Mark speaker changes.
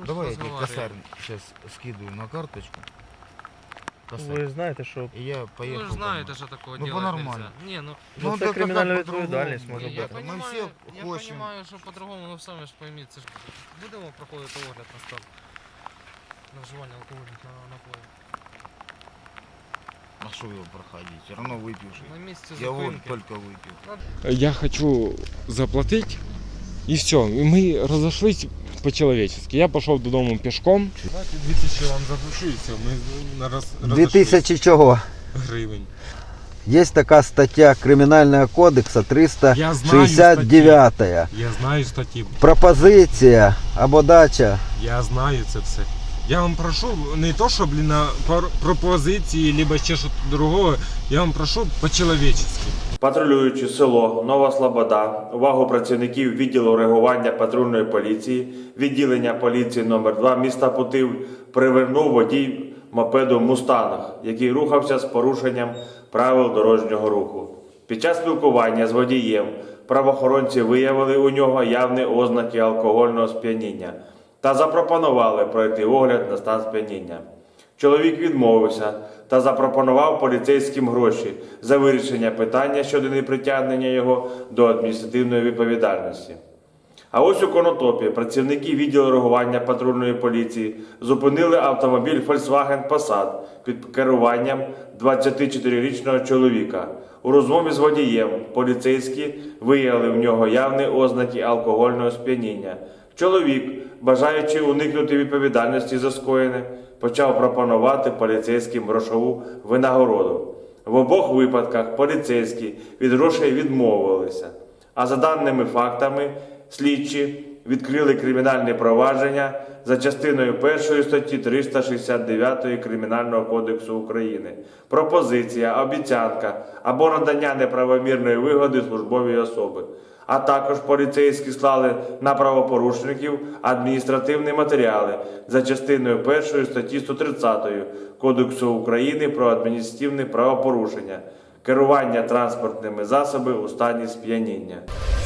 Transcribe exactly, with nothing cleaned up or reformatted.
Speaker 1: Давай я тебе косарь сейчас скидываю на карточку. Косарь.
Speaker 2: Ви знаєте, що
Speaker 1: И я поехал.
Speaker 3: Ну, вы знаете, что такое
Speaker 1: Ну,
Speaker 3: делать
Speaker 1: по-нормально.
Speaker 3: нельзя. Не, ну,
Speaker 2: Ну, це
Speaker 1: так а
Speaker 2: кримінальна
Speaker 1: как по-другому?
Speaker 2: відповідальність може
Speaker 3: я, я
Speaker 2: бути.
Speaker 1: Мы
Speaker 3: понимаю,
Speaker 1: все
Speaker 3: я
Speaker 1: хочем.
Speaker 3: понимаю, що по-другому, ну самі ж пойміть, це ж будемо проходити огляд на стан на вживання алкогольних на- напоїв.
Speaker 1: А что его проходить? Все равно выпивший.
Speaker 3: На місці
Speaker 1: Я вот
Speaker 3: зупинки.
Speaker 1: только выпил.
Speaker 4: Я хочу заплатить, и все. И мы разошлись по-человечески. Я пошел додому пешком.
Speaker 5: Давайте дві тисячі вам запишу і все, ми на раз,
Speaker 6: Дві тисячі чого?
Speaker 5: гривень.
Speaker 6: Є така стаття Кримінального кодексу триста шістдесят дев'ять.
Speaker 5: Я знаю статті,
Speaker 6: Пропозиція або дача.
Speaker 5: я знаю це все. Я вам прошу, не то, що, блін, на пар- пропозиції, либо ще щось другого, я вам прошу по-человечески.
Speaker 7: Патрулюючи село Нова Слобода, увагу працівників відділу реагування патрульної поліції, відділення поліції номер два міста Путив привернув водій мопеду «Мустанг», який рухався з порушенням правил дорожнього руху. Під час спілкування з водієм правоохоронці виявили у нього явні ознаки алкогольного сп'яніння та запропонували пройти огляд на стан сп'яніння. Чоловік відмовився та запропонував поліцейським гроші за вирішення питання щодо непритягнення його до адміністративної відповідальності. А ось у Конотопі працівники відділу реагування патрульної поліції зупинили автомобіль Volkswagen Passat під керуванням двадцятичотирирічного чоловіка. У розмові з водієм поліцейські виявили в нього явні ознаки алкогольного сп'яніння. Чоловік, бажаючи уникнути відповідальності за скоєне, почав пропонувати поліцейським грошову винагороду. В обох випадках поліцейські від грошей відмовилися. А за даними фактами, слідчі відкрили кримінальне провадження за частиною першої статті триста шістдесят дев'ять Кримінального кодексу України. Пропозиція, обіцянка або надання неправомірної вигоди службовій особи. А також поліцейські склали на правопорушників адміністративні матеріали за частиною першої статті сто тридцять Кодексу України про адміністративні правопорушення, керування транспортними засобами у стані сп'яніння.